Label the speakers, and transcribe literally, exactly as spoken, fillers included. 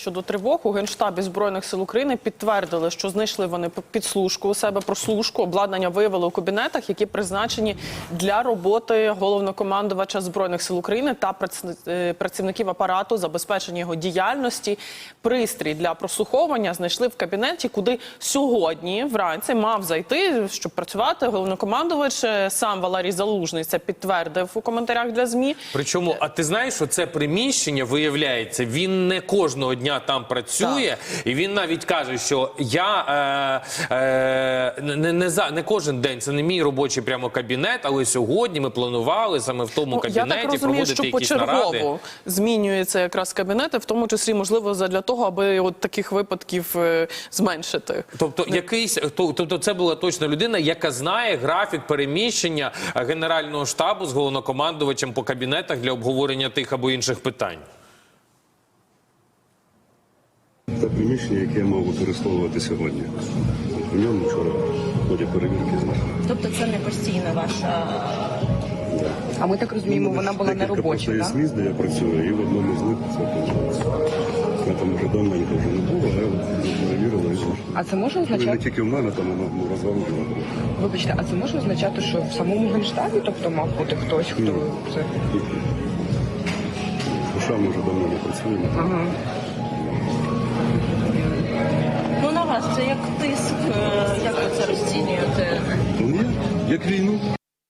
Speaker 1: щодо тривог. У Генштабі Збройних сил України підтвердили, що знайшли вони підслужку у себе, прослушку, обладнання виявили у кабінетах, які призначені для роботи головнокомандувача Збройних сил України та працівників апарату, забезпечення його діяльності. Пристрій для прослуховування знайшли в кабінеті, куди сьогодні вранці мав зайти, щоб працювати головнокомандувач. Сам Валерій Залужний це підтвердив у коментарях для ЗМІ.
Speaker 2: Причому, а ти знаєш, що це приміщення, виявляється, він не кожного дня там працює, так. І він навіть каже, що я е, е, не, не, за, не кожен день, це не мій робочий прямо кабінет, але сьогодні ми планували саме в тому ну, кабінеті я так розумію, проводити що якісь наради.
Speaker 1: Почергово змінюються якраз кабінети, в тому числі, можливо, для того, аби от таких випадків е, зменшити.
Speaker 2: Тобто, не... якийсь, то, тобто це була точно людина, яка знає графік переміщення Генерального штабу з головнокомандувачем по кабінетах для обговорення тих або інших питань.
Speaker 3: Це приміщення, яке я мав використовувати сьогодні. У ньому вчора в ході перевірки знайшли.
Speaker 4: Тобто це не постійна ваша...
Speaker 3: Да.
Speaker 4: А ми так розуміємо, вона була не робоча, так?
Speaker 3: Декілька місць, де я працюю, і в одному з них це теж. Я там вже давненько вже не було, а я перевірила і знайшла.
Speaker 4: А це може означати...
Speaker 3: Не тільки в мене, там воно розвалило.
Speaker 4: Вибачте, а це може означати, що в самому Генштабі, тобто мав бути хтось, хто
Speaker 3: Ні.
Speaker 4: це...
Speaker 3: Душа ми вже давно не працюємо.
Speaker 4: Ага.
Speaker 5: Ну, на вас це як тиск, як ви це розцінюєте?
Speaker 3: Ну, ні, як війну.